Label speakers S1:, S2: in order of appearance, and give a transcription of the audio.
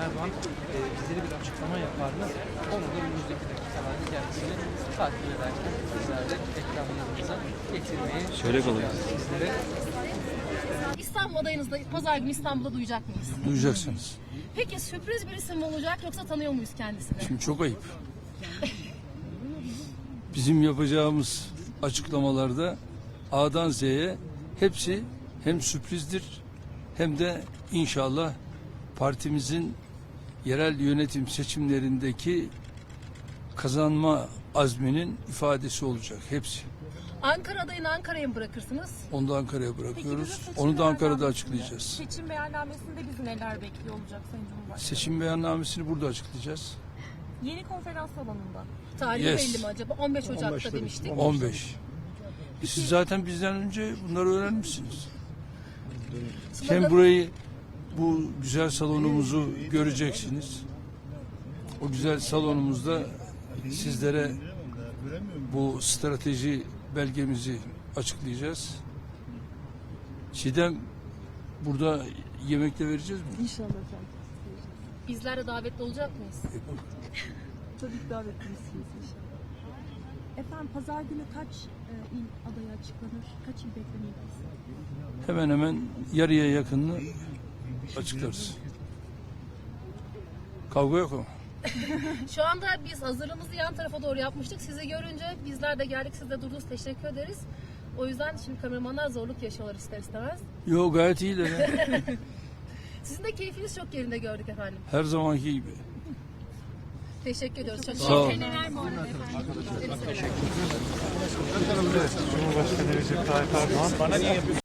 S1: Erdoğan bizlere bir açıklama yapar mı? Onu da önümüzdeki dakikalarda kendisini takip ederken bizlerle ekranlarımıza getirmeye çalışacağız sizlere.
S2: İstanbul adayınızda pazar günü İstanbul'da duyacak mıyız?
S3: Duyacaksınız.
S2: Peki sürpriz bir isim mi olacak yoksa tanıyor muyuz kendisini?
S3: Şimdi çok ayıp. Bizim yapacağımız açıklamalarda A'dan Z'ye hepsi hem sürprizdir hem de inşallah partimizin yerel yönetim seçimlerindeki kazanma azminin ifadesi olacak hepsi.
S2: Ankara adayını Ankara'ya mı bırakırsınız?
S3: Onu da Ankara'ya bırakıyoruz.
S4: Peki,
S3: Onu da Ankara'da açıklayacağız.
S4: Seçim beyannamesinde bizi neler bekliyor olacak Sayın Cumhurbaşkanı?
S3: Seçim beyannamesini burada açıklayacağız.
S4: Yeni konferans salonunda.
S2: Tarihi
S3: Yes.
S2: belli mi acaba? 15 Ocak'ta demiştik.
S3: 15. Siz zaten bizden önce bunları öğrenmişsiniz. Hem burayı, bu güzel salonumuzu göreceksiniz. O güzel salonumuzda sizlere bu strateji belgemizi açıklayacağız. Çiğdem, burada yemekte vereceğiz mi?
S4: İnşallah efendim.
S2: Bizler de davetli olacak mıyız?
S4: Tabii ki davetlisiniz inşallah. Efendim pazar günü kaç il adayı açıklanır? Kaç il beklemeliyiz?
S3: Hemen hemen yarıya yakınını açıklarız. Kavga yok ama.
S2: Şu anda biz hazırlığımızı yan tarafa doğru yapmıştık. Sizi görünce bizler de geldik. Siz de durdunuz. Teşekkür ederiz. O yüzden şimdi kameramanlar zorluk yaşıyorlar ister istemez.
S3: Yok, gayet iyiler ya.
S2: Sizin de keyfiniz çok yerinde gördük efendim.
S3: Her zamanki gibi.
S2: Teşekkür ediyoruz. Çok
S3: Sağ olun.
S5: Cumhurbaşkanı Recep Tayyip Erdoğan